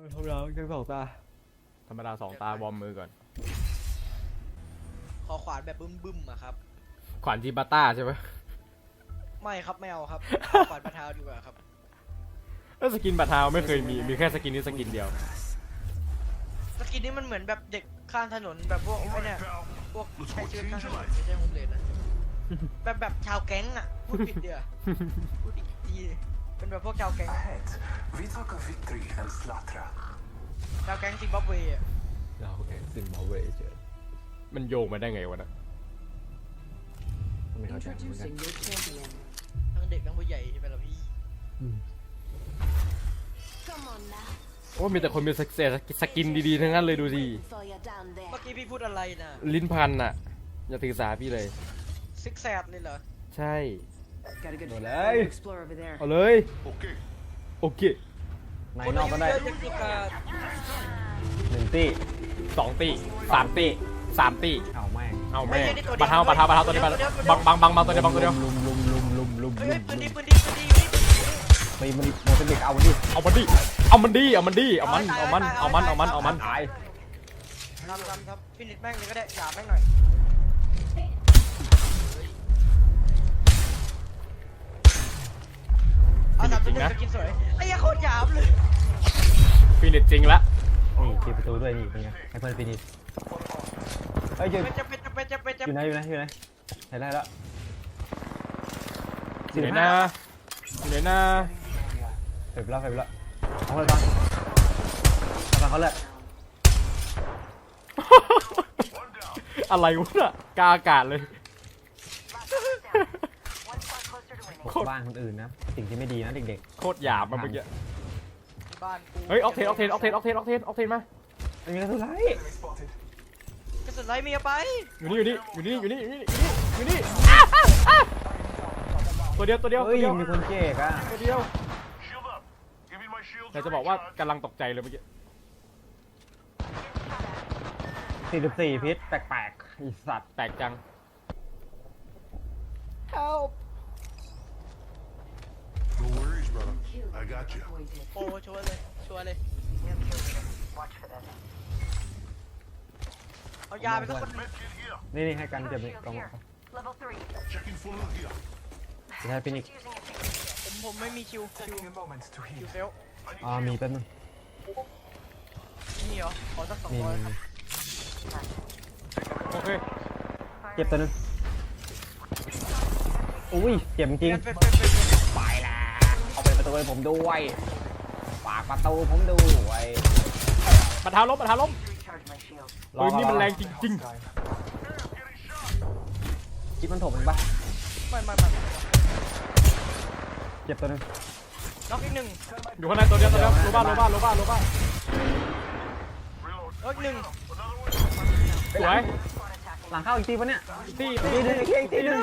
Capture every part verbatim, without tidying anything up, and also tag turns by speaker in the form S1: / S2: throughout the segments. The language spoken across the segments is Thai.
S1: ธรรมดาแค่สองตา
S2: ธรรมดาสองตาวอร์มมือก่อน
S3: ขอขวานแบบบึ้มๆอะครับ
S2: ขวานจีบาต้าใช่ไหม
S3: ไม่ครับไม่เอาครับขวานปะเท้าดีกว่าครับ
S2: แล้วสกินบัตรเท้าไม่เคยมีมีแค่สกินนี้สกินเดียว
S3: สกินนี้มันเหมือนแบบเด็กข้างถนนแบบพวกไอ้เนี่ยพวกใช้ชีวิตข้างถนนไม่ใช่โฮมเลสนะแบบแบบชาวแก๊งอะพูดผิดเดียวพูดอีกทีเป็นแบบพวกชาวแก๊งชาวแก๊งซิมบับเวอะ
S1: เราแก๊งซิมบับเวเจอ
S2: มันโยงมาได้ไงวะนะ
S1: ไม่เข้าใจเหมือนกัน
S3: ทั้งเด็กทั้งผู้ใหญ่ใช่ไหมล่ะพี่
S2: โอ้มีแต่คนมีสกินดีๆทั้งนั้นเลยดูสิ
S3: เมื่อกี้พี่พูดอะไรนะ
S2: ลิ้นพันน่ะอย่าถือสาพี่เลย
S3: ซิกแซดเลยเหรอ
S2: ใช่
S1: หมดเลย
S2: เอาเลยโอเค
S1: ในนอกก็ได้หนึ่งตี
S2: สองตีสามตีสามตี
S1: เอาแม่ง
S2: เอาแม่งปะเท้าปะเท้าปะเท้าตัวนี้บังบังบังบังตัวเดียวบังตัวเดียว
S1: ลุมลุมลุมลุมลุมลุม
S3: ปืนดีปืนดีปืนดี
S1: ไปมันโมเสบิกเอามันดิ
S2: เอามันดิเอามันดิเอามันดิเอามันเอามันเอามันเอามันเอามัน
S1: ตาย
S3: ทำทำทำฟินิชแม่งเลยก็ได้หยาบแม่งหน่อยเอาสามตัวหนึ่งสกินสวยไอ้ยาโคตรหยาบเลย
S2: ฟินิชจริงละ
S1: นี่ทีประตูด้วยนี่เป็นไงให้เพื่อนฟินิชเฮ้ยจะ
S3: จะเป็นจะเป็นจะเป็นจะ
S1: อยู่ไหนอยู่ไหนอยู่ไหนเห็นได้แล้ว
S2: อยู่ไหนนะอยู่ไหนนะ
S1: เฟบแล้วเฟบแล้วเอาเลยบ้างเอาเขาเลย
S2: อะไรวะน่ะกาอากาศเลย
S1: บ้านคนอื่นนะสิ่งที่ไม่ดีนะเด็ก
S2: ๆโคตรหยาบมาเมื่อกี้
S3: บ้านกู
S2: เฮ้ยออกเทนออกเทนออกเทนออกเทนออกเทนออกเทนมา
S1: ไม่มีกระสุนไร
S3: กระสุนไรมีเอาไป
S2: อยู่นี่อยู่นี่อยู่นี่อยู่นี่อยู่นี่อยู่นี่ตัวเดียวตัวเดียว
S1: ตัวเดียวมีคนเจ๊กอะ
S2: ตัวเดียวแต่จะบอกว่ากำลังตกใจเลยเมื่อกี้
S1: สี่สิบสี่พิษแปลกๆอีสัตว์
S2: แปลกจัง
S3: Help
S4: No worries brother I got you
S3: โอ้ชัวร์เลยชัวร์เลยเอายาไปสักคน
S1: นี่นี่ให้กันเจ็บนี่กองจะให้ฟินิก
S3: ผมผมไม่มีคิวคิวคิวเฟล
S1: อ่ามีแป๊บนึง
S3: นี่เหรอขอสักสองร้อยครับ
S2: โอเค
S1: เจ็บตัวนึงอุ้ยเจ็บจริงไปแล้วเอาไปประตูให้ผมด้วยฝากประตูผมด้วย
S2: บัตรเท้าล้มบัตรเท้าล้มปืนนี่มันแรงจริงๆ
S1: คิดมันถมมันปะ
S3: ไม่ไม่ไม่
S1: เจ็บตัวนึง
S3: น็อกอีกหนึ่ง
S2: อยู่ข้างในตัวเดียวตัวเดียวโลบ้าโลบ้าโลบ้าโลบ้า
S3: น็อกหนึ่ง
S2: สวย
S1: หลังเข้าอีกทีปะเนี่ย
S2: ตี
S1: ตีหนึ่งอีกทีหนึ่ง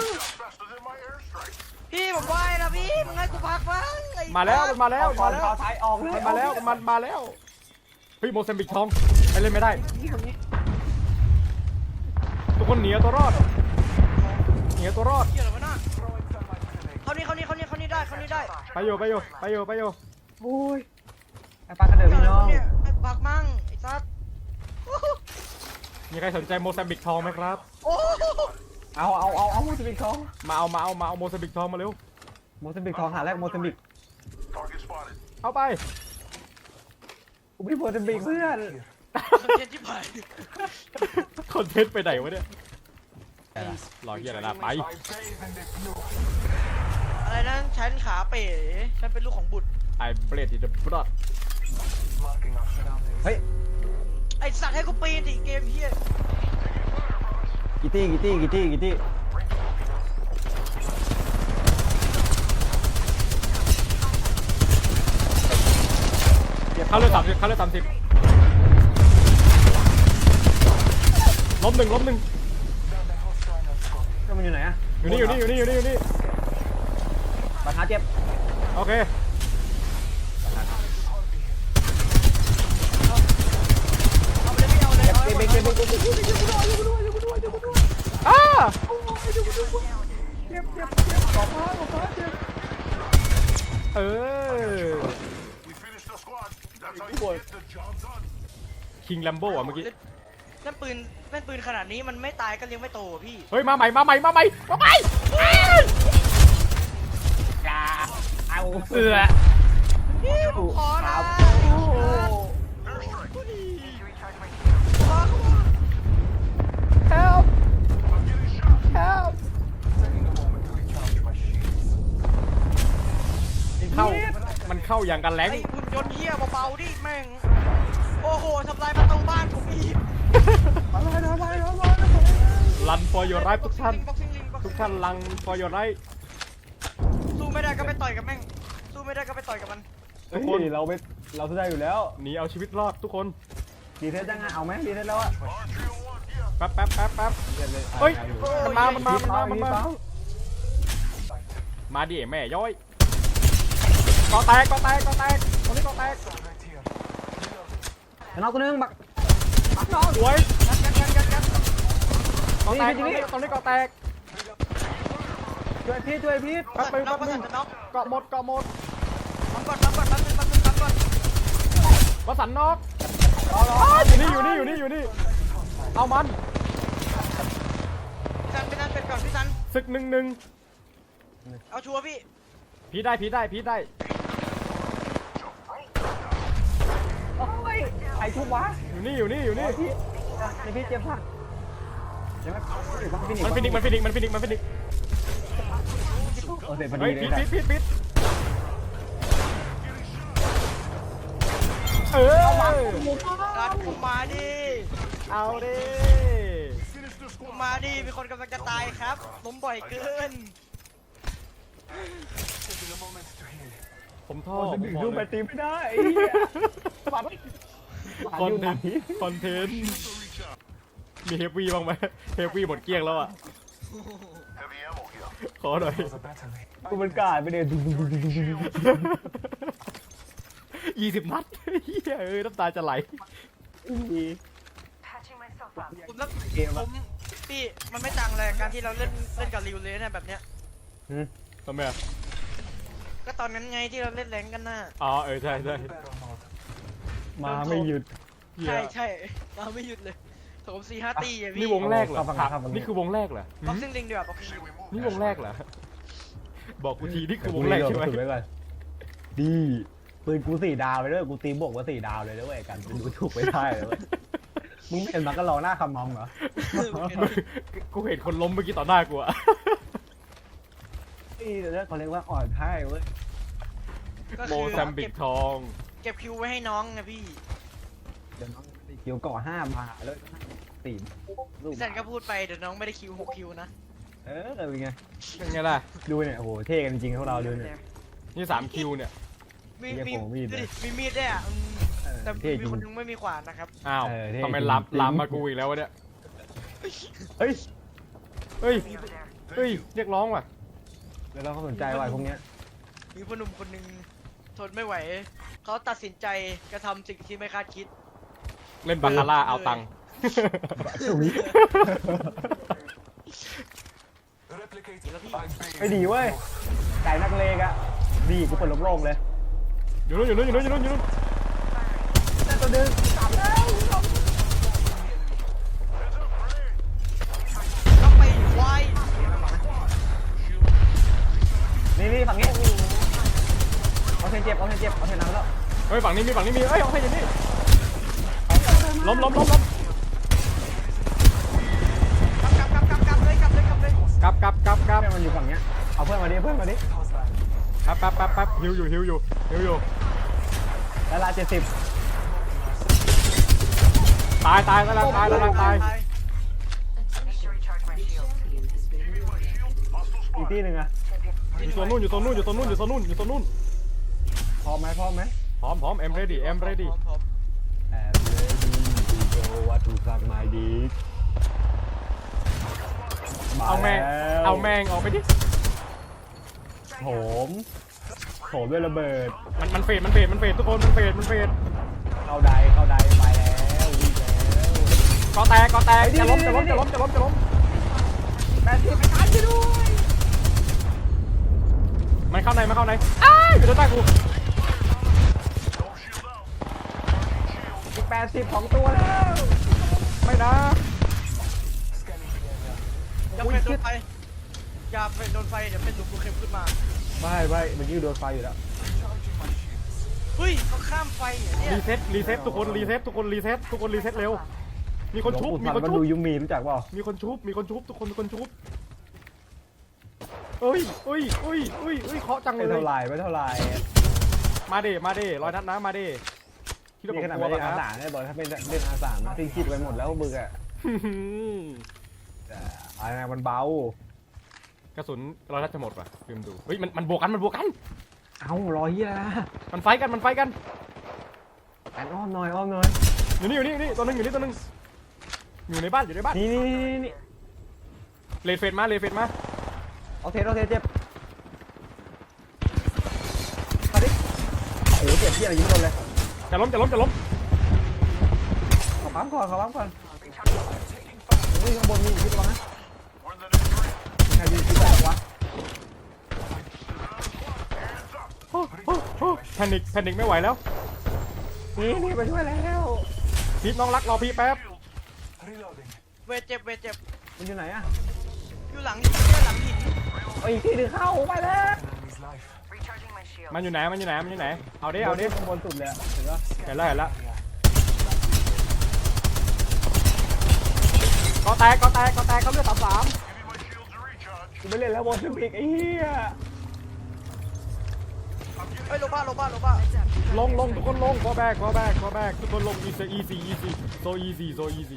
S3: พี่ผมไหวนะพี่มึงให้กูพักบ้าง
S2: มาแล้วมันมาแล้วมาแล้ว
S1: ท้ายออกเลย
S2: มันมาแล้วมันมาแล้วเฮ้ยโมเซมบิกทองไปเล่นไม่ได้ทุกคนหนีตัวรอดหนีตัวรอด
S3: เกี่ยวอะไรวะน่ะเขานี่เขานี่เขานี่เขานี่ได้เขานี่ได้
S2: ไปโยไปโยไปโยไปโย
S1: โอ้ยไอ้ปลากระเดิดพี่น้อง
S3: ไอ้พักมั่งไอ้ซัด
S2: มีใครสนใจโมเซมบิกทองไหมครับ
S1: เอาเอาเอาเอาโมเซมบิกทอง
S2: มาเอามาเอามาเอาโมเซมบิกทองมาเร็ว
S1: โมเซมบิกทองหาแรกโมเซมบิก
S2: เอาไป
S1: กูไม่โมเซมบิกเพื่อน
S3: คอนเทนต์ที่ผ่าน
S2: คอนเทนต์ไปไหนวะเนี่ยรอเฮียอะไรนะไป
S3: อะไรนั่นฉันขาเป๋ฉันเป็นลูกของบุตร
S2: ไอ้เบรดที่เดอะบล็อด
S1: เฮ้ย
S3: ไอ้สัตว์ให้กูปีนดิเกมเฮีย
S1: กิตี้กิตี้กิตี้กิตี้
S2: เข้าเลยสามสิบเข้าเลยสามสิบล้มหนึ่งล้มหนึ่ง
S1: ก็มันอยู่ไหนอะ
S2: อยู่นี่อยู่นี่อยู่นี่อยู่นี่อยู่นี่
S1: บาดหาเจ็บ
S2: โอเคอ้าเจ็บเจ็บเจ็บขอพาขอพาเจ็บเออ
S4: job done.
S2: คิงแลมโบ้อะเมื่อกี้
S3: นั่นปืนนั่นปืนขนาดนี้มันไม่ตายก็เลี้ยงไม่โตอะพี่
S2: เฮ้ยมาใหม่มาใหม่มาใหม่มาใหม่
S1: อย่าเอา
S2: เสือ
S3: พี่ผมขอนะ
S1: โอ้โห
S3: ขอเขาว่า
S2: help help เข้ามันเข้าอย่างกันแรง
S3: ไอ้หุ่นยนต์เหี้ยเบาๆดิแม่งโอ้โหทำลายประตูบ้านผมอีก
S1: อะไรอะไรอะไรอะไร
S2: รัน for your right ทุกท่าน
S3: บ็อกซิ่งลิงบ็อกซิ่งลิง
S2: ทุกท่านรัง for your right
S3: สู้ไม่ได้ก็ไปต่อยกับแม่งสู้ไม่ได้ก็ไปต่อยกับมัน
S2: ทุกคน
S1: เฮ้ยเราไม่เราสู้ได้อยู่แล้ว
S2: หนีเอาชีวิตรอดทุกคน
S1: ดีเทสยังไงเอาไหมดีเทสแล้วอะ
S2: แป๊บแป๊บแป๊บแป๊บ
S1: เดี๋ยวเลย
S2: เฮ้ย
S1: อาอยู่
S2: มันมามันมามันมามันมา
S1: เปล่
S2: มาดิแม่ย้อยก็แตกก็แตกก็แตกตรงนี้ก็แตก
S1: ชนะตัวนึงบักบักน้อง
S2: สวย
S3: กันกันกันกันกัน
S2: ก็แตก
S1: นี่
S2: ตรง
S1: นี่
S2: นี้ตรงนี้ก็แตก
S1: ช่วยพี่ช่วยพี่
S2: แป๊บนึง
S3: น็อ
S2: แป๊
S3: ก
S2: บ
S3: ประ
S2: นึ
S3: สั
S2: ง
S3: นจะน็อก
S2: เกาะหมดเกาะหมด
S3: ปั๊มก่อนปั๊มก่อนปั๊มนึงปั๊มนึงปั๊มก่อน
S2: วสันต์นอก
S1: รอรอ
S2: อยู่นี่อยู่นี่อยู่นี่อยู่นี่เอามัน
S3: พี่ซันพี่ซันเป็ดก่อนพี่ซัน
S2: ศึกหนึ่งหนึ่ง
S3: เอาชัวร์พี่
S2: พีได้พีได้พีได้
S1: โอ้ยใครทุบวะ
S2: อยู่นี่อยู่นี่อยู่นี่
S1: พี่ไอพี่เจ็บผักเดี๋ยวมัน
S2: มันฟินิกมันฟินิกมันฟินิกมันฟินิก
S1: โอ้เสร็จพอดี
S2: เฮ้ย
S1: เล
S2: พี
S1: ย
S2: ด
S1: นะ
S2: พีดพีดพีดเออ
S3: รัดกูมาดิ
S2: เอาดิ
S3: กูมาดิมีคนกำลังจะตายครับล้มบ่อยเกิน
S2: ผมท่อ
S1: โอ้
S2: ผ
S1: จะ
S2: ม
S1: ดึง
S2: บอก
S1: ดู
S2: เล
S1: ไป
S2: ย
S1: ตีไม่ได้ไอ้เหี้ยปัด
S2: คอนเทนต์คอนเทนต์มีเฮฟวี่บ้างไหมเฮฟวี่หมดเกลี้ยงแล้วอ่ะ
S4: Heavy ammo here.
S2: ขอหน่อย
S1: กูมันกาดไปเลยดุดุดุดุดุดุ
S2: ยี่สิบนัดเฮียเอ้ยน้ำตาจะไหล
S3: ผมแล้วผมพี่มันไม่ต่างเลยการที่เราเล่นเล่นกับริวเลยนะแบบเนี้ย
S2: ทำไมอ่ะ
S3: ก็ตอนนั้นไงที่เราเล่นแรงกันน่ะ
S2: อ๋อเออใช่ใช่
S1: มาไม่หยุด
S2: เหี้ย
S3: ใช่ใช่เราไม่หยุดเลยโถมสี่ห้าตีอะพี่
S2: นี่วงแรกเหรอ
S1: เข้าฝั่ง
S2: ครับ
S1: เข้าฝั่ง
S2: นี่คือวงแรกเหรอ
S3: บ็อกซิ่งลิงดีกว่าบ็อกซิ่ง
S2: นี่วงแรกเหรอบอกกูทีนี่คือวงแรกใช่ไหม
S1: ถือไว้ก่อนดีปืนกูสี่ดาวไปด้วยกูตีบวกว่าสี่ดาวเลยด้วยกันกูดูถูกไม่ได้เลยเว้ยมึงไม่เห็นมันก็รอหน้าคำมองเหรอ
S2: กูเห็นคนล้มเมื่อกี้ต่อหน้ากูอะ
S1: นี่เรื่องเขาเรียกว่าอ่อนให้เว้ย
S3: ก็
S2: โม
S3: คือ
S2: แซมบิกทอง
S3: เก็บคิวไว้ให้น้องนะพี่
S1: เดี๋ยวน้องเกี่ยวก่อห้ามาแล้วสี่ลูก
S3: พี่แซนก็พูดไปเดี๋ยวน้องไม่ได้คิวหกคิวนะ
S1: เออเป็นไง
S2: เป็นไงล่ะ
S1: ดูเนี่ยโอ้โหเท่กันจริงๆพวกเราดูเนี่ย
S2: นี่สามคิวเนี่ย
S3: มี
S1: เรียก
S3: มี
S1: ผมมีด
S3: ดู
S1: เลย
S3: ดิมีมีดด้วยอ่ะอืม
S1: เออ
S3: แต่
S1: เท่จ
S3: มี
S1: ริง
S3: คนนึงไม่มีขวานนะครับ
S2: อ้าว
S1: เออเท่
S2: ทำไม
S1: จริง
S2: ลาม
S1: จริง
S2: ลามมากูอีกแล้ววะเนี่ย
S1: เฮ้ย
S2: เฮ้ยเฮ้ยเรียกร้องว่ะ
S1: แล้วเราก็สนใจว่ะพวกเนี้ย
S3: มีพ่อหนุ่มคนหนึ่งทนไม่ไหว เขาตัดสินใจกระทำสิ่งที่ไม่คาดคิด
S2: เล่นบาคาร่าเอาตังค์
S1: ถุย
S3: แล้วพี่
S1: ไม่ดีเว้ยไก่นักเลงอะดีกูเปิดโล่งๆเลย
S2: อยู่นู้นอยู่นู้นอยู่นู้นอยู่นู้นอยู่นู้น
S1: แต่ตัวดึงกลับแล้ว
S3: ก็ไปควาย
S1: นี่นี่ฝั่งนี้เอาเทนเจ็บเอาเทนเจ็บเอาเทนน้ำแล้ว
S2: เฮ้ยฝั่งนี้มีฝั่งนี้มีเอ้ยเอาให้อย่างนี้ล้มล้มล้มล้ม
S3: กลับกลับกลับกลับเลยกลับเลยกลับเลย
S2: กลับกลับกลับกลับ
S1: เพื่อนมันอยู่ฝั่งเนี้ยเอาเพื่อนมาดิเพื่อนมาดิ
S2: แป๊บแป๊บแป๊บแป๊บฮิวอยู่ฮิวอยู่ฮิวอยู่
S1: แล้วลาเจ็ดสิบ
S2: ตายตายแล้วตายแล้วตาย
S1: อีกที่หนึ่งอะ
S2: อยู่ตัวนู้นอยู่ตัวนู้นอยู่ตัวนู้นอยู่ตัวนู้นอยู่ตัวนู้น
S1: พร้อมไหมพร้อมไหม
S2: พร้อมพร้อมเอ็มเรดี้เอ็มเรดี้
S3: พร้อม
S1: แอบเลยดีโจวัตถุสักไม้ดี
S2: เอาแมงเอาแมงออกไปดิ
S1: โถมโถมด้วยระเบิด
S2: มันมันเฟดมันเฟดมันเฟดทุกคนมันเฟดมันเฟด
S1: เข้าใดเข้าใดไปแล้ววิ่งแล้ว
S2: ก็แตกก็แตกจะล้มจะล้มจะล้มจะล้มจะล้ม
S1: แปดสิบไปทันไปด้วย
S2: มันเข้าในมันเข้าในอ้ายอยู่ด้านใต้กู
S1: อีกแปดสิบของตัวแล้ว
S2: ไม่นะ
S3: อย่าเป็นโดนไฟอย่าเป็นโดนไฟเดี๋ยวเป็นลูกเข็มขึ้นมา
S1: ไม่ไม่เมื่อกี้โดนไฟอยู่แล้ว
S3: เฮ้ยเขาข้ามไฟเหรอเนี่ย
S2: รีเซ็ตรีเซ็ตทุกคนรีเซ็ตทุกคนรีเซ็ตทุกคนรีเซ็ตเร็วมีคนชุบ
S1: หล
S2: มี
S1: วงปู่
S2: คน
S1: มัน
S2: ชุบ
S1: ดูยูมีรู้จักเปล่า
S2: มีคนชุบมีคนชุบทุกคนมีคนชุบเอ้ยเอ้ยเอ้ยเอ้ยเอ้ยเคาะจังเล
S1: ไม่
S2: ย
S1: เท่าไหรไม่เท่าไหร
S2: มาเดมาเดร้อยนัดนะมาเดคิดว่าผ
S1: นี่
S2: ม
S1: ขนาด
S2: กลัว
S1: ไม่
S2: ป่ะ
S1: ได้
S2: ค
S1: อา
S2: รับ
S1: สาเนี่ยบอกถ้าเป็นเล่นอาสานะทิ้งคิดไปหมดแล้วมึงอะแต่อะไรนะมันเบาก
S2: ระสุนร้อยนัดจะหมดป่ะลืมดูเฮ้ยมันมันบวกกันมันบวกกัน
S1: เอ้ารอเฮียนะ
S2: มันไฟกันมันไฟกัน
S1: แอนอ้อมหน่อยอ้อมหน่อย
S2: อยู่นี่อยู่นี่อยู่นี่ตัวหนึงอยู่นี่ตัวหนึงอยู่ในบ้านอยู่ในบ้าน
S1: นี่นี่นี่นี่
S2: เลนเฟนมาเลนเฟนมา
S1: เอาเทสเอาเทสเจ็บมาดิโอ้โหเจ็บที่อะไรยิงโดนเลย
S2: จะล้มจะล้มจะล้ม
S1: ขอปั๊มก่อนขอปั๊มก่อนนี่ข้างบนมีอยู่ที่ตัวนะ
S4: We're in the next ring.
S1: มีใครยิงที่แบบวะ
S2: โอ้โหโอ้โหแพนิคแพนิคไม่ไหวแล้ว
S1: นี่นี่ไปช่วยแล้ว
S2: พีทน้องรักรอพี่แป๊บ
S3: เวทเจ็บเวทเจ็บ
S1: มันอยู่ไหนอะ
S3: อยู่หลังหินเนี่ยหลังหิน
S1: เอาอีกที่หนึงเข้าไปแล้ว
S5: Recharging my shield.
S2: มันอยู่ไหนมันอยู่ไหนมันอยู่ไหนเอาดิเอาดิ
S1: ข้างบนสุดเลยอะเห็นปะ
S2: เห็นแล้วเห็นแล้วก็แตกก็แตกก็แตกเขาเลือดสามสาม
S4: Give me my shields to recharge.
S1: กูไม่เล่นแล้วบนสุดอีกไอ้เหี้ย
S3: เฮ้ยโลบ้าโลบ้าโลบ้า
S2: ลงลงทุกคนลง go back go back go back ทุกคนลง easy easy easy so easy so easy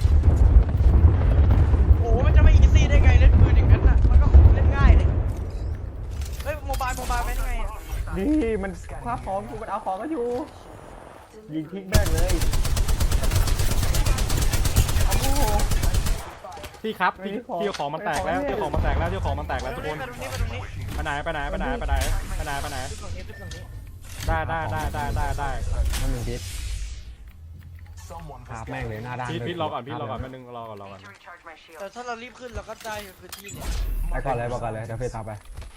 S3: โอ้โหมันจะไม่อีซี่ได้ไงเล่นปืนอย่างนั้นน่ะมันก็เล่นง่ายเลยเฮ้ยโมบายโมบายเป็นยังไงอะ
S1: นี่มันคว้าของกูมันเอาของก็อยู่ยิงทิ้งแม่งเลยโอ้โห
S2: พี่ครับพี่พี่เอาของมันแตกแล้วพี่เอาของมันแตกแล้วพี่เอาของมันแตกแล้วทุกคน
S3: ไปตรงนี้ไปตรงนี้
S2: ไปไหนไปไหนไปไหนไปไหนไปไหนไปไหน
S3: ขึ้นตรงนี้ขึ้นตรงนี้
S2: ได้ได้ได้ได้ได้ได้
S1: มันหนึ่งพิษครับแม่งเลยหน้าด้าน
S2: พีท
S1: ด้วย
S2: พีทรอก่อนพีทรอก่อนแป๊บนึงรอก่อนรอก่อน
S5: To recharge my shield.
S3: แต่ถ้าเรารีบขึ้นเราก็ได้พื้นที่เนี่ย
S1: ไปก่อนเลยบอกก่อนเลยเดี๋ยวเฟซตามไป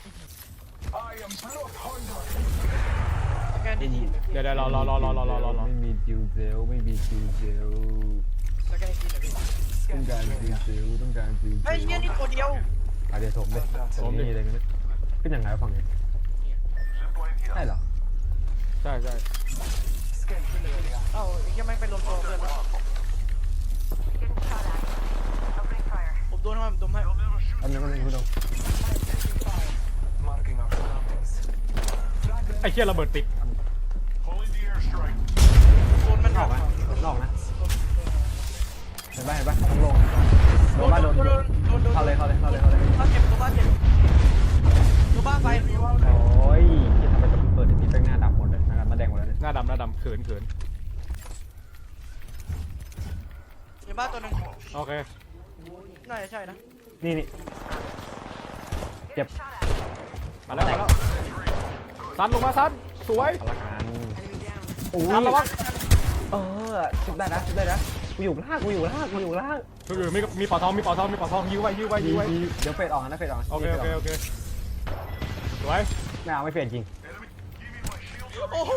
S3: สแกนดีๆ
S2: เดี๋ยวเดี๋ยวรอรอรอรอรอรอรอรอ
S1: ไม่มีจิวเซลไม่มีจิวเซล
S3: สแกนดีๆหน่อยดิ
S1: ต้องการจิวเซลต้องการจิวเซล
S3: เฮ้ยเนี่ยนี่ตัวเดียว
S1: อ่ะเดี๋ยวถมเลยถมนี่อะไรกันเนี่ยเป็นยังไงวะฝั่งนี้
S4: Zipline here.
S1: ใช่เหรอ
S2: ใช่ใช่
S3: เอ้าไอ้แค่แม่งไปรวมตัวเพื่อนแล้ว
S5: Getting shot at. Opening fire.
S3: ผมโดนให้ผมโดนให้
S4: They'll never shoot.
S1: อันนี้ก็เลยคุณดู
S2: ไอ้เชี่ยระเบิดติด
S4: Pulling the airstrike.
S3: โดนมัน
S1: นอกนะนอกนะเห็นปะเห็นปะต้องลงโดนบ้านโดน
S3: โดนโดนโดน
S1: เข้าเลยเข้าเลยเข้าเลยเข้าเลย
S3: บ้านเจ็บตัวบ้านเจ็บตัวบ้านไฟ
S1: โอ้ยที่ทำไมจะเปิดทีเป็นหน้าดำหมดเลยนะครับมาแดงหมดแล้วเนี่ย
S2: หน้าดำหน้าดำเขินเขิน
S3: ในบ้านตัวหนึง
S2: โอเค
S3: น่าจะใช่นะ
S1: นี่นี่เจ็บ
S2: มาแล้วมาแล้วซันลงมาซันสวย
S1: เอาละกันโอ้
S2: ซันระวั
S1: ย
S2: ง
S1: เออชุบได้นะชุบได้นะกูอยู่ล่างกูอยู่ล่างกูอยู่ล่าง
S2: คือมีมีปอทองมีปอทองมีปอทองยิ้วไว้ยิ้วไว้
S1: ดี
S2: ยิ้วไว้
S1: ดีเดี๋ยวเฟดออกนะเฟดออก
S2: โอเคโอเคโอเคสวย
S1: ไม่เอาไม่เฟดจริง
S3: โอ้โห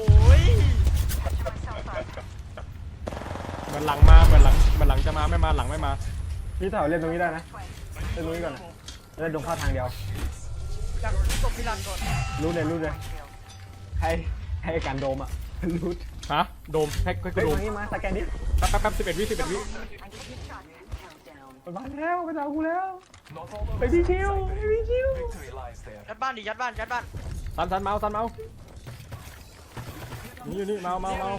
S2: เหมือนหลังมาเหมือนหลังเหมือนหลังจะมาไม่มาหลังไม่มา
S1: พี่เต่าเล่นตรงนี้ได้นะเล่นตรงนี้ก่อนนะเล่นตรงเข้าทางเดียว
S3: อยากตบพิลันก่อน
S1: รูดเลยรูดเลยให้ให้การโดมอ่ะรูด
S2: ฮะโดมแพ็กก็
S1: เฮ้ย
S2: โด
S1: ตร
S2: ม
S1: งนี้มาสแกนดิ
S2: แป๊บแป๊บแป๊บสิบเอ็ดวิสิบเอ็ดวิ
S1: มันมาแล้วมันเอากูแล้วไปพี่ชิวไปพี่ชิว
S3: ยัดบ้านดิยัดบ้านยัดบ้าน
S2: ซันซันเมาซันเมานี่อยู่นี่เมาเมาเมา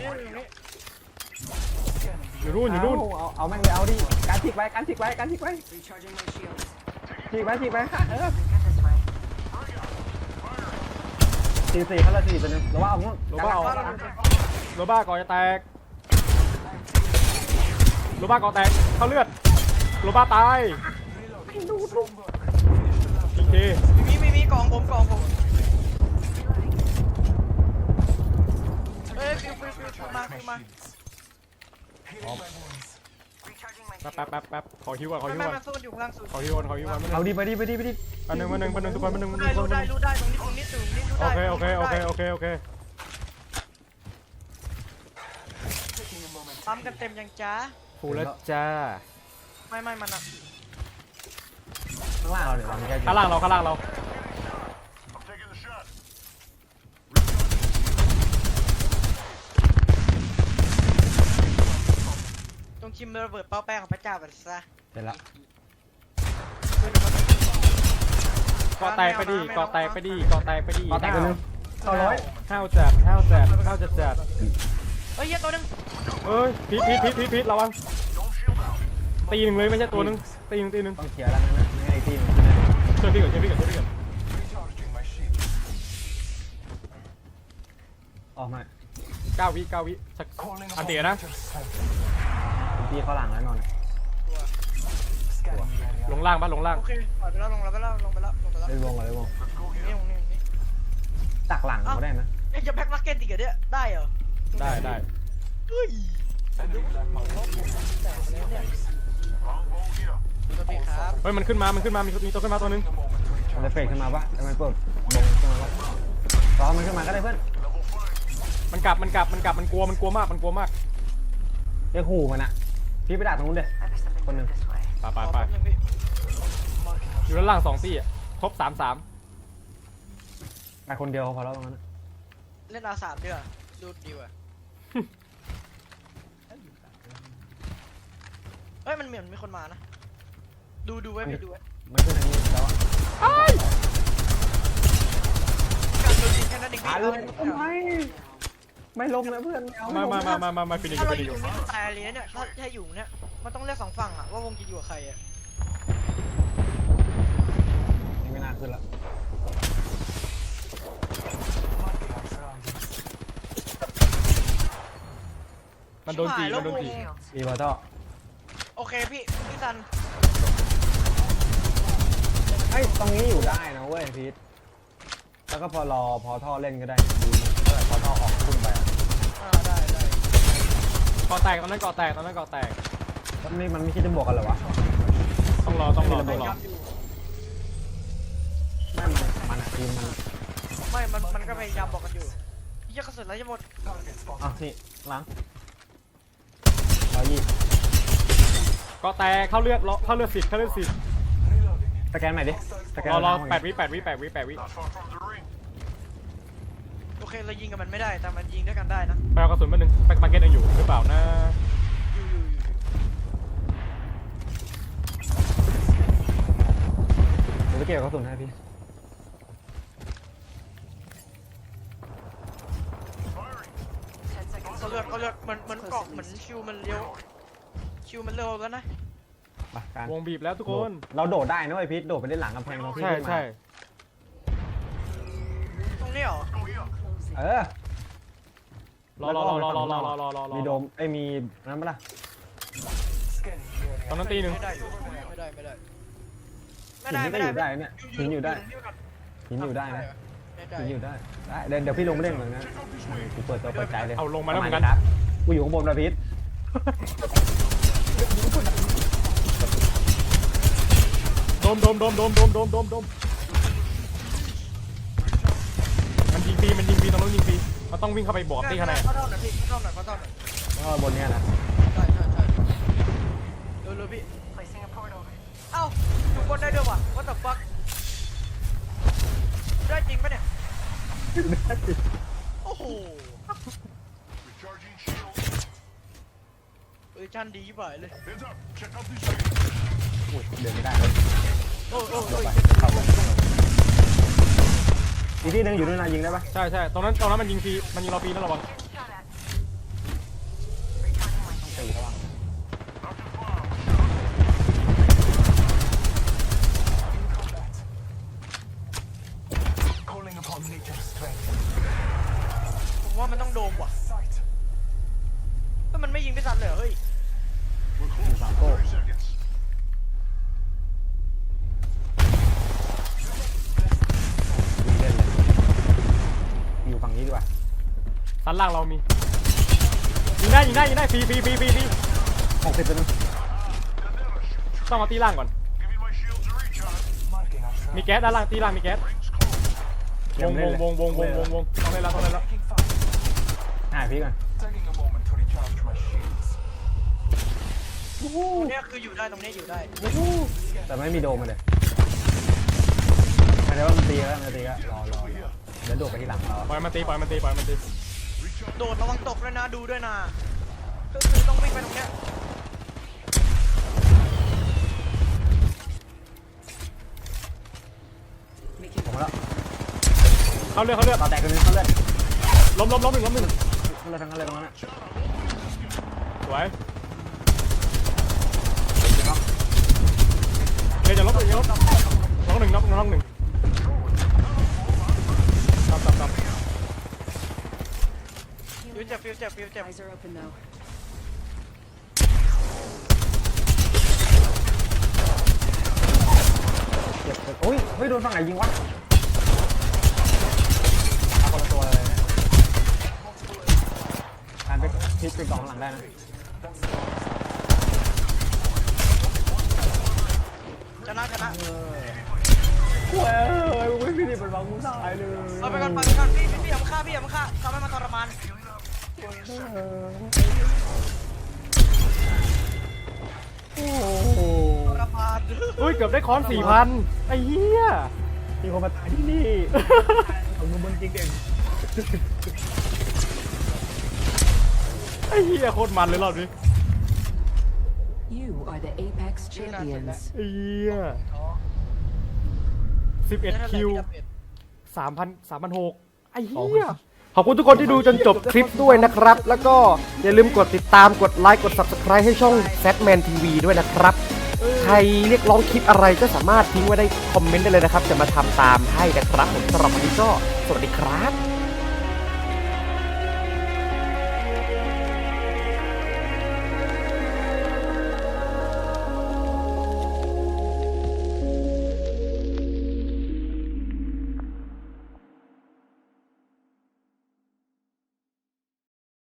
S2: อยู่นู่นอยู่นู่น
S1: เอาเอาแม่งเลยเอาดิการฉีกไว้การฉีกไว้การฉีกไว้
S5: Recharging my shield.
S1: ฉีกไว้ฉีกไว้ค่ะเออ
S5: Get this way.
S1: สี่สี่เขาละสี่ตัวนึงหรือว่าเอางั้น
S2: โรบ้าเอาโรบ้าก่อจะแตกโรบ้าก่อแตกเข้าเลือดโรบ้าตายพีเค
S3: มีมีมีกล่องผมกล่องผมเอ้ยฟิวฟิวฟิวฟิวมาฟิวมา
S5: Recharging my
S2: แป๊บ
S5: shield.
S2: แป๊บแป๊บแป๊บขอฮิวก่อนขอ
S3: ไม่
S2: ฮิว
S3: ไม่
S2: ก่อน
S3: มาสู้อยู่ข้างล่างสุด
S2: ขอฮิวก่อนขอฮิวก่อน
S1: เอาดิไปดิไปดิไปดิ
S2: อันหนึ่งอันหนึ่งอันหนึ่งทุกคนอันหนึ่ง
S3: รู้
S2: ทุ
S3: ได้
S2: กคน
S3: รู้ได้รู้ได้ตรงนี้ตรงนี้ตรงนี้รู้
S2: โอ
S3: ได้
S2: เคโอเคโอเคโอเคโอเค
S3: ปั๊มกันเต็มยังจ้า
S2: ฟูแล้วจ้า
S3: ไม่ไม่มันอะ
S1: ข้างล่างเราเดี๋ยววางแก้ว
S2: ข้างล่างเราข้างล่างเรา
S4: I'm taking the shot.
S3: จงชิมระเบิดเป้าแป้งของพระเจ้าไปซะ
S1: เสร็จละ
S2: เกาะแตกไปดิเกาะแตกไปดิเกาะแตกไปดิ
S1: เอาแตกไปนึงเข้าร้อย
S2: ห้าวจัดห้าวจัดห้าวจัดจัด
S3: เฮ้ยเหี้ยตัวหนึง
S2: เอ้ยพีทพีทพีทพีทพีทระวัง
S4: Don't shield out.
S2: ตีหนึ่งเลยไม่ใช่ตัวหนึงตีหนึ่งตีหนึ่ง
S1: ต้องเคลียร์แล้วนะไม่ให้ทีม
S2: ช่วยพี่ก่อนช่วยพี่ก่อนช่วยพี่ก่อน
S4: Recharging my shield.
S1: ออกมา
S2: เก้าวิเก้าวิสักอันเดียวนะ
S1: ทีเข้าหลังแล้วนอน
S2: ลงล่างปะลงล่าง
S3: โอเคปล่อยไปแล้วลงแล้วไปแล้วลงไปแล้วลงไปแล้ว
S1: เล่นวงก่อนเล่นวง
S4: Let's go
S3: นี่
S4: here.
S3: ตรงนี้ตรงนี้
S1: ตักหลังเขาได้นะ
S3: เอ้ยจะแบ็คมาร์เก็ตอีกเหรอเนี่ยได้เหรอ
S2: ได้ได้
S3: เฮ้ย
S4: Longbow here.
S3: สวัสดีครับ
S2: เฮ้ยมันขึ้นมามันขึ้นมามีมีตัวขึ้นมาตัวหนึง
S1: มันจะเฟกขึ้นมาปะทำไมเปิดวงขึ้นมาปะรอมันขึ้นมาก็ได้เพื่อน
S4: Level five.
S2: มันกลับมันกลับมันกลับมันกลัวมันกลัวมากมันกลัวมาก
S1: เรียกขู่มันอะพี่ไปด่าตรงนู้นเด้
S5: I have something
S1: Con
S5: good
S1: đường.
S5: this way.
S2: ไปไป
S3: รอ
S2: ไป
S3: แป๊บนึงพี่
S2: อยู่ด้านล่างสองตี้อ่ะครบสามสาม
S1: ไปคนเดียวพอแล้วตรงนั้น
S3: เล่นอาสามดีกว่าดูดีกว่าเฮ้ยมันเหมือนมีคนมานะดูดูไว้พี่ดูไว้
S1: ไม่ขึ้นทางนี้แล้วอะ
S3: การโดนยิงแค่นั้นเองพี่
S1: อ่ะ
S3: เอา
S1: เล
S3: เลย ย
S1: ทำไมไม่ลงนะเพื่อนไเอ
S2: มามามามามามาฟินิชอ
S3: ถ้า
S2: ยู่
S3: เรา
S2: ฟิ
S3: อ
S2: นิชอยู่
S3: ยู่ไม่ตายเลยเนี่ยถ้าถ้าอยู่เนี่ยมันต้องเลือกสองฝั่งอะว่าวงจะอยู่กับใครอะ
S1: ไม่น่าขึ้นละ
S2: มันโดนจีมันโดนจี
S5: Shields.
S1: อีบอทอ
S3: โอเคพี่พี่ซัน
S1: ไอ้ยตรงนี้อยู่ได้นะเว้ยพีทแล้วก็พอรอพอท่อเล่นก็ได้ดูเมื่อไหร่พอท่อออกขึ้นไปอะ
S3: อ่าได้ได้
S2: เกาะแตกตอนนั้นเกาะแตกตอนนั้นเกาะแตก
S1: แล้วนี่มันไม่คิดจะบวกกันเหรอวะ
S2: ต้องรอต้องรอต้องรอ
S1: ไม่มันมันอะทีมมัน
S3: ไม่มันมันก็พยายามบอกกันอยู่พี่จะกระสุนแล้วจะหมด
S1: อ่ะนี่ล้างร้อยยี่
S2: เกาะแตกเข้าเลือดรอเข้าเลือดสิทธิ์เข้าเลือดสิทธิ์
S1: สแกนใหม่ดิสแกน
S2: รอรอ
S1: ล้าง
S2: แปดวิแปดวิแปดวิแปดวิ
S4: Not far from the ring.
S3: โอเคเรายิงกับมันไม่ได้แต่มันยิงด้วยกันได้นะ
S2: ไปเอากระสุนมาหนึ่งแบ็คมาร์เก็ตยังอยู่หรือเปล่านะ
S3: อยู่อยู่อยู่
S1: เดี๋ยวไปเก็บกระสุนให้พี่
S4: Firing.
S5: Ten seconds.
S3: เขาเลือดเขาเลือดเหมือนเหมือนเกาะเหมือนชิวมันเร็วชิวมันเร็วแล้วนะ
S1: ไปการ
S2: วงบีบแล้วทุกคน
S1: เราโดดได้นะเว้ยพีทโดดไปเล่นหลังกำแพงเราพี่
S2: ใช่
S1: ขึ้นมา
S2: ใช่
S3: ตรงนี้เหรอ
S4: Go here.
S1: เออ
S2: รอรอรอรอรอรอรอรอรอรอ
S1: มีโดมไอ้ยมีนั้นปะล่ะ
S2: ตอนนั้นตีหนึ่ง
S3: ไม่ได้อยู่ไม่ได้ไม่ได้
S1: หินนี่ก็อยู่ได้เนี่ยหินอยู่ได้หินอยู่ได้นะ
S3: ไม่ได้
S1: หินอยู่ได้ได้เดี๋ยวเดี๋ยวพี่ลงไม่เล่นเหมือนกันกูเปิดตัวเปิดใจเลย
S2: เอาลงมาแล้วเหมือนกัน
S1: ครับกูอยู่ข้างบนนะพีท
S2: โดมโดมโดมโดมโดมโดมโดมโดมมันยิงปีมันยิงปีตรงนู้นยิงปีมันต้องวิ่งเข้าไปบอกที่คะแนน
S3: เข้าเท่าหน่อยพี่เข้าหน่อยเข้าเท่าหน่อย
S1: แล้วก็บนเนี้ยนะ
S3: ใช่ใช่ใช่เร็วเร็วพี่
S5: Placing a portal.
S3: เอ้าอยู่บนได้ด้วยวะ what the fuck ได้จริงปะเนี่ยโอ้โห
S4: Recharging shield.
S3: เออชันดีบ่ายเลย
S4: Heads up. Check out this shield.
S1: อุ้ยเดินไม่ได้เลย
S3: โอ้โอ้
S1: เดี๋
S3: โอ้
S1: ยวไป
S3: ย
S1: เข้าไปอีกที่หนึงอยู่ด้วยนะยิงได้ปะ
S2: ใช่ใช่ตรงนั้นตรงนั้นมันยิงปีมันยิงเราปีนั่นระวัง
S5: Getting shot at. Recharging my
S1: ตี
S5: shield.
S1: ระวัง
S4: Knocked his bomb.
S6: Calling upon nature's strength.
S3: ผมว่ามันต้องโดมว่ะ
S6: Sight.
S3: ก็มันไม่ยิงไม่สัตว์เลยเหรอเฮ้ย
S4: We're close.
S1: Sampo.
S4: thirty seconds.
S1: ยิงเล่นเลยอยู่ฝั่งนี้ดีกว่า
S2: ด้านล่างเรามียิงได้ยิงได้ยิงได้ฟรีฟรีฟรีฟรีฟรี
S1: หกสิบตัวนึง
S2: ต้องเอาตีล่างก่อน
S4: Giving my shields a recharge.
S6: Marking our surroundings.
S2: มีแก๊สด้านล่างตีล่างมีแก๊ส
S4: Rings close.
S2: วงวงวงวงวงวงวงต้องเล่นแล้วต้องเล่นแล้ว
S6: Taking fire.
S1: หาพี่ก่อน
S6: Taking a moment to recharge my shields.
S3: ตรงเนี้ยคืออยู่ได้ตรงเนี้ยอยู่ได้
S1: แต่ไม่มีโดมมาเลยหมายถึงว่ามันตีแล้วมันตีแล้วรอรอรอเดี๋ยวโดดไปที่หลังเรา
S2: ปล่อยมันตีปล่อยมันตีปล่อยมันตี
S3: โดดระวังตกด้วยนะดูด้วยนะก็คือต้องวิ่งไปตรงเนี้ย
S1: ผมมาแล้ว
S2: เข้าเลือดเข้าเลือด
S1: ต่อแตกกันนึงเขาเลือด
S2: ล้มล้มล้มหนึ่งล้มหนึ่ง
S1: เขาเลือดทั้งนั้นเลยตรงนั้นอะ
S2: สวยเฮ้ยจะลบหนึ่งจะลบน้องหนึ่งน้องน้องหนึ่งตับตับตับ
S3: ฟิวเจ็บฟิวเจ็บฟิวเจ็บ
S5: Eyes are open though.
S1: เจ็บโอ้ยเฮ้ยโดนฝั่งไหนยิงวะเอาคนละตัวเลยนะการไปพลิกไปกองหลังได้นะ
S3: ชนะชนะ
S1: เว้ยมึงไม่มีดิบเป็นบางมึงตายเลย
S3: เอาไปก่อนไปก่อนพี่พี่พี่อย่ามาฆ่าพี่อย่ามาฆ่าทำให้มันทรมาน
S1: โอ้โห
S3: ทรมาน
S2: อุ้ยเกือบได้ค้อนสี่พันไอ้เหี้ย
S1: มีคนมาตายที่นี่ของมึงบนจริงเด่น
S2: ไอ้เหี้ยโคตรมันเลยรอบนี้
S5: You are the Apex champions.
S2: ไอ้เหี้ยสิบเอ็ดคิวสามพันสามพันหกไอ้เหี้ยขอบคุณทุกคนที่ดูจนจบคลิปด้วยนะครับ แล้วก็อย่าลืมกดติดตามกดไลค์กด Subscribe ให้ช่อง Fatman ที วี ด้วยนะครับ ใครเรียกร้องคลิปอะไรก็สามารถทิ้งไว้ได้คอมเมนต์ได้เลยนะครับ จะมาทำตามให้นะครับผมสำหรับวันนี้ก็สวัสดีครับ